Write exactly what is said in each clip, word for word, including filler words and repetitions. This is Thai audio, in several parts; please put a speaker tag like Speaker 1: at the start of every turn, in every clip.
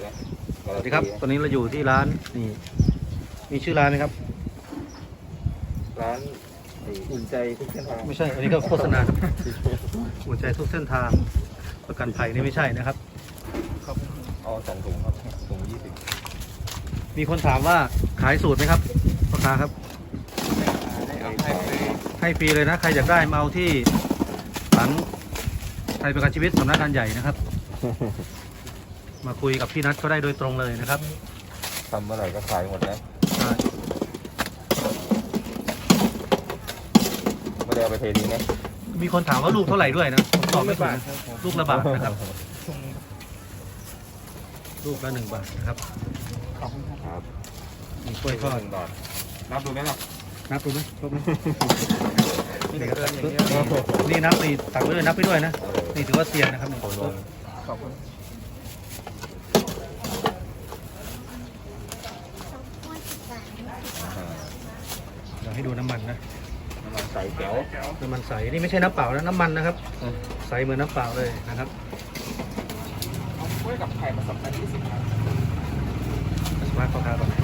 Speaker 1: นะ
Speaker 2: สวัสดีครับตอนนี้เราอยู่ที่ร้านนี่มีชื่อร้านไหมครับ
Speaker 1: ร้านอุ่นใจทุกเส้นทาง
Speaker 2: ไม่ใช่อันนี้ก็โฆษณาครับหัวใจทุกเส้นทางประกันภัยนี่ไม่ใช่นะครับ
Speaker 1: ครับเอาสองถุงครับถุงยี่สิบ
Speaker 2: มีคนถามว่าขายสูตรไหมครับพ่อค้าครับให้ฟรีเลยนะใครอยากได้มาเอาที่หลังไทยประกันชีวิตสำนักงานใหญ่นะครับมาคุยกับพี่นัทก็ได้โดยตรงเลยนะครับ
Speaker 1: ทำเมื่อไหร่ก็ขายหมดนะไม่ได้เอาไปเททิ้งนะ
Speaker 2: มีคนถามว่าลูกเท่าไหร่ด้วยนะผมตอบไม่ถูกนะลูกละบาทนะครับลูกละหนึ่งบาทนะครับ
Speaker 1: ครับ
Speaker 2: มีกล้วยทอด
Speaker 1: บาทนับดูไหมล่ะ
Speaker 2: นับดูไหมครบไหมนี่นับนี่ตักไว้ด้วยนับไปด้วยนะนี่ถือว่าเซียนนะครับนี่
Speaker 1: ขอบคุณ
Speaker 2: เราให้ดูน้ำมันนะ
Speaker 1: น้ำมันใสแก้ว
Speaker 2: น้ำมันใสนี่ไม่ใช่น้ำเปล่านะน้ำมันนะครับใสเหมือนน้ำเปล่าเลยนะครับ
Speaker 1: กล้วยกับไข่ผสมกันยี่สิบครับ
Speaker 2: สมาร์ทพ่อค้าก่อน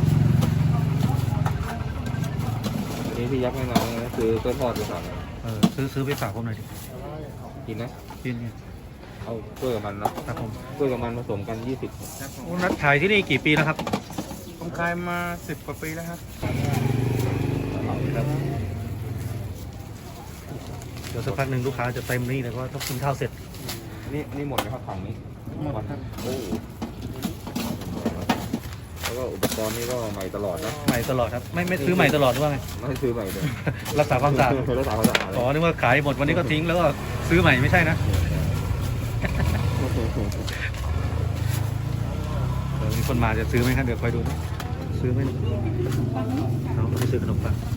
Speaker 1: อันนี้พี่ยักษ์ไม่มาเลยคือกล้วยทอดดีกว่า
Speaker 2: เออซื้อซื้อไปฝากผมหน่อยดิ
Speaker 1: กินนะ
Speaker 2: กินเนี่ย
Speaker 1: เอากล้วยกับมันนะครับ
Speaker 2: ผม
Speaker 1: กล้วยกับมันผสมกันยี่สิบ
Speaker 2: นัดขายที่นี่กี่ปีแล้วครับ
Speaker 3: ผมขายมาสิบกว่าปีแล้วครับ
Speaker 2: เดี๋ยวสักพักหนึ่งลูกค้าจะเต็มนี่เลยเพราะต้องกินข้าวเสร็จ
Speaker 1: นี่นี่หมดไหมครับถังนี้
Speaker 3: หมดครับ
Speaker 1: โอ้แล้วก็อุปกรณ์นี่ก็ใหม่ตลอดนะ
Speaker 2: ใหม่ตลอดครับไม่ไม่ซื้อใหม่ตลอดหรือว่าไง
Speaker 1: ไม่ซื้อใหม่เลย
Speaker 2: รักษาความสะอาด
Speaker 1: รักษาความสะอาด
Speaker 2: อ๋อนึกว่าขายหมดวันนี้ก็ทิ้งแล้วก็ซื้อใหม่ไม่ใช่นะเดี๋ยวมีคนมาจะซื้อไหมครับเดี๋ยวคอยดูนะซื้อไหมเราไม่ซื้อขนมปัง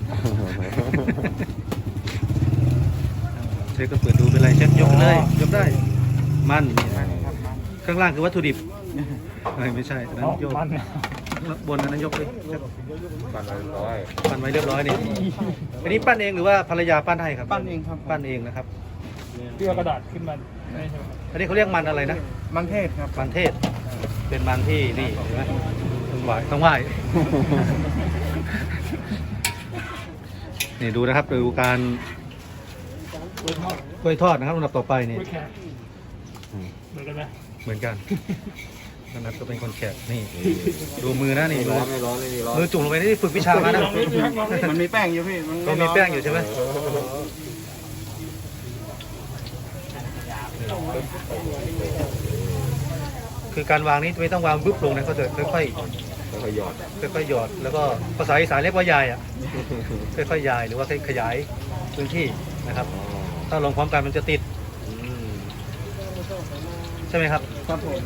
Speaker 2: เช็คก็เปิดดูเป็นไรเช็คยกเลยยกได้มันข้างล่างคือวัตถุดิบไม่ใช่อันนั้นยกบนอันนั้นยกเลย
Speaker 1: ปั่นไว้เรียบร้อย
Speaker 2: ปั้นไว้เรียบร้อยนี่อันนี้ปั้นเองหรือว่าภรรยาปั้นให้ครับ
Speaker 3: ปั้นเองครับ
Speaker 2: ปั้นเองนะครับ
Speaker 3: เพื่อกระดาษขึ้นมา
Speaker 2: อันนี้เขาเรียกมันอะไรนะ
Speaker 3: มันเทศครับ
Speaker 2: มันเทศเป็นมันที่นี่เห็นไหมต้องไหวต้องไหวนี่ดูนะครับดูการกล้วยทอดนะครับลำดับต่อไปนี่
Speaker 3: เหมือนกันไหม
Speaker 2: เหมือนกันนัทก็เป็นคนแขกนี่ดูมือนะนี่
Speaker 1: ร้อนไม่ร้อนไม่มีร้อน
Speaker 2: มือจุ่มลงไปนี่ฝึกวิชามานะ
Speaker 3: มันมีแป้งอยู่พี่
Speaker 2: มันมีแป้งอยู่ใช่ไหมคือการวางนี้ไม่ต้องวางบึ๊บลงนะเขาจะค่อย
Speaker 1: ๆค่อยๆหยอด
Speaker 2: ค่อยๆหยอดแล้วก็ภาษาอีสานเรียกว่ายายอ่ะค่อยๆยายหรือว่าขยายพื้นที่นะครับถ้าลงพร้อมกันมันจะติดใช่ไหมครับ
Speaker 3: ครับผม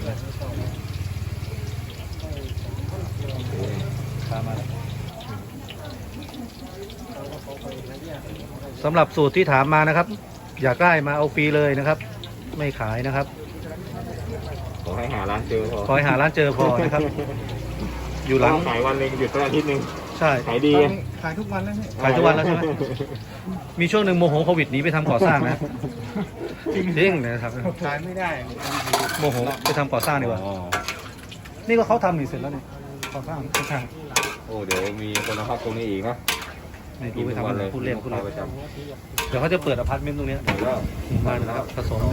Speaker 2: สำหรับสูตรที่ถามมานะครับอยากได้มาเอาฟรีเลยนะครับไม่ขายนะครับ
Speaker 1: ขอให้หาร้านเจอพอ
Speaker 2: ขอให้หาร้านเจอพอนะครับอยู่หลัง
Speaker 1: ขายวันนึงหยุดสักอาทิตย์นึง
Speaker 2: ใช่
Speaker 1: ขายดี
Speaker 3: ขายทุกวันแล้ว
Speaker 2: ขายทุกวันแล้วใช่ไหมมีช่วงหนึ่งโมโหโควิดหนีไปทำก่อสร้างนะจริงๆนะครับ
Speaker 3: ขายไม่ได้
Speaker 2: โมโหไปทำก่อสร้างดีกว่านี่ก็เขาทำอยู่เสร็จแล้วเนี่ยก่อสร้างข้าง
Speaker 1: โอ้เดี๋ยวมีคนมาพักตรงนี้อีกนะ
Speaker 2: นี่ดูไปทำเลยพูดเล่นพูดเล่นเดี๋ยวเขาจะเปิดอพาร์ตเมนต์ตรงนี้มานะครับผสม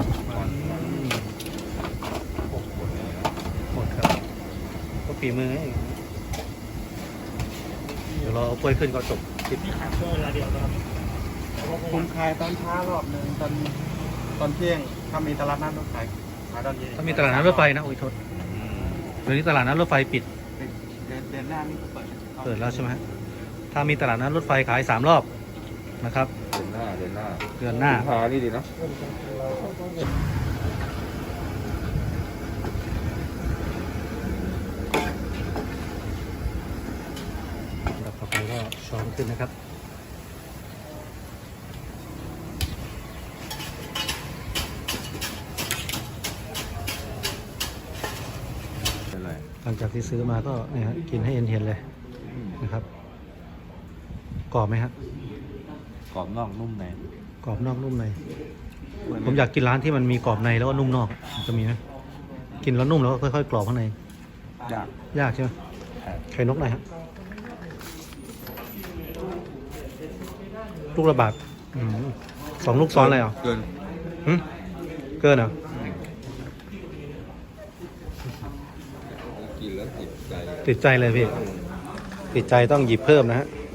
Speaker 2: หมดครับก็ฝีมือเดี๋ยวเราเอากล้วยขึ้นก็จบคลิป
Speaker 3: ผมขายตอนเช้ารอบหนึ่งตอนตอนเที่ยงถ้ามีตลาดนัดรถไฟขายตอนเย็น
Speaker 2: ถ้ามีตลาดนัดรถไฟนะโอ้ยโทษเดี๋ยวนี้ตลาดนัดรถไฟปิด
Speaker 3: เดือนหน้านี่เปิด
Speaker 2: เปิดแล้วใช่ไหมถ้ามีตลาดนัดรถไฟขายสามรอบนะครับ
Speaker 1: เดือนหน้าเดือนหน้า
Speaker 2: เดือนหน้า
Speaker 1: พานี่ดีนะ
Speaker 2: ต่อไปก็ช้อนขึ้นนะครับหลังจากที่ซื้อมาก็เนี่ยกินให้เอ็นเห็นเลยนะครับกรอบไหมครับ
Speaker 1: กรอบนอกนุ่มใน
Speaker 2: กรอบนอกนุ่มในผมอยากกินร้านที่มันมีกรอบในแล้วก็นุ่มนอกจะมีไหมกินแล้วนุ่มแล้วก็ค่อยๆกรอบข้างใน
Speaker 3: อยาก
Speaker 2: ยากใช่ไหมไข่นกหน่อยครับลูกระบาดอืมสองลูกซ้อนเลยเหรอ
Speaker 1: เกิน
Speaker 2: หึเกินเหรอ
Speaker 1: กินแล้วติดใจ
Speaker 2: ติดใจเลยพี่ ติดใจต้องหยิบเพิ่มนะฮะ